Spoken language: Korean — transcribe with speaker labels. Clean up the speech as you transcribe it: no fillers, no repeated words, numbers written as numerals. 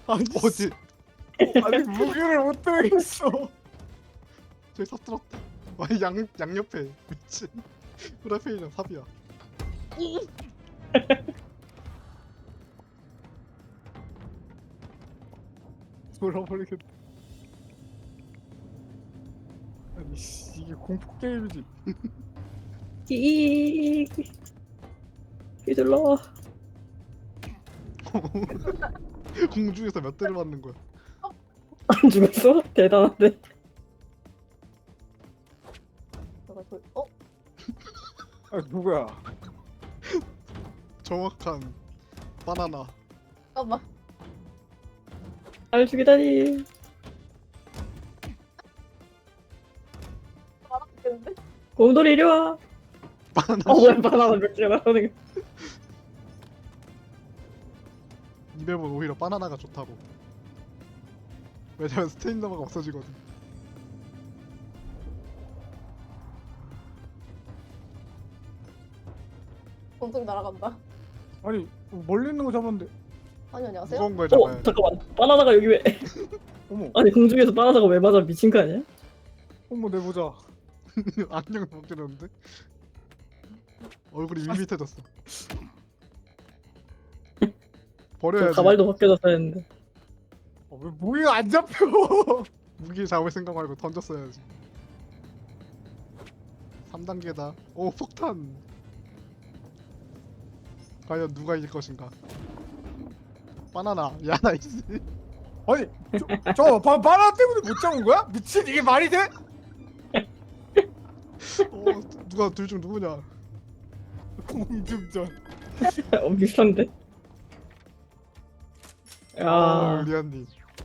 Speaker 1: 아니
Speaker 2: 어디?
Speaker 1: 아니 무기를 못 들겠어.
Speaker 2: 저기 삽 들었다. 아니 양옆에 미친. 프라페이랑 삽이야.
Speaker 1: 돌아버리겠다. 아니 씨, 이게 공포 게임이지.
Speaker 3: 이 휘둘러.
Speaker 2: 공중에서 몇 대를 맞는 거야?
Speaker 3: 안 죽었어? 대단한데.
Speaker 1: 아 누구야?
Speaker 2: 정확한 바나나.
Speaker 4: 잠깐만.
Speaker 3: 날 죽이다니.
Speaker 4: 알아듣겠는데?
Speaker 3: 곰돌이 이리 와.
Speaker 2: 바나나.
Speaker 3: 왜 바나나 몇 개나 나오는 거?
Speaker 2: 이 맵은 오히려 바나나가 좋다고. 왜냐면 스테인더가 없어지거든.
Speaker 4: 공중이 날아간다.
Speaker 1: 아니 멀리 있는 거 잡았는데.
Speaker 4: 아니 안녕하세요.
Speaker 2: 무거운 걸 잡아야 돼.
Speaker 3: 잠깐만. 바나나가 여기 왜?
Speaker 1: 어머
Speaker 3: 아니 공중에서 바나나가 왜 맞아? 미친 거 아니야?
Speaker 1: 어머 내보자.
Speaker 2: 안경을 벗겨졌는데? 얼굴이 밋밋해졌어.
Speaker 3: 저
Speaker 2: 버려야지.
Speaker 3: 가발도 벗겨졌어야 했는데.
Speaker 1: 왜 무기가 안 잡혀?
Speaker 2: 무기 잡을 생각 말고 던졌어야지. 3단계다. 오 폭탄. 과연 누가 이길 것인가? 바나나. 야 나이스.
Speaker 1: 아니 바나나 때문에 못 잡은 거야? 미친 이게 말이 돼?
Speaker 2: 누가 둘 중 누구냐?
Speaker 1: 공중전.
Speaker 3: 비슷한데. 야.
Speaker 2: 리안님.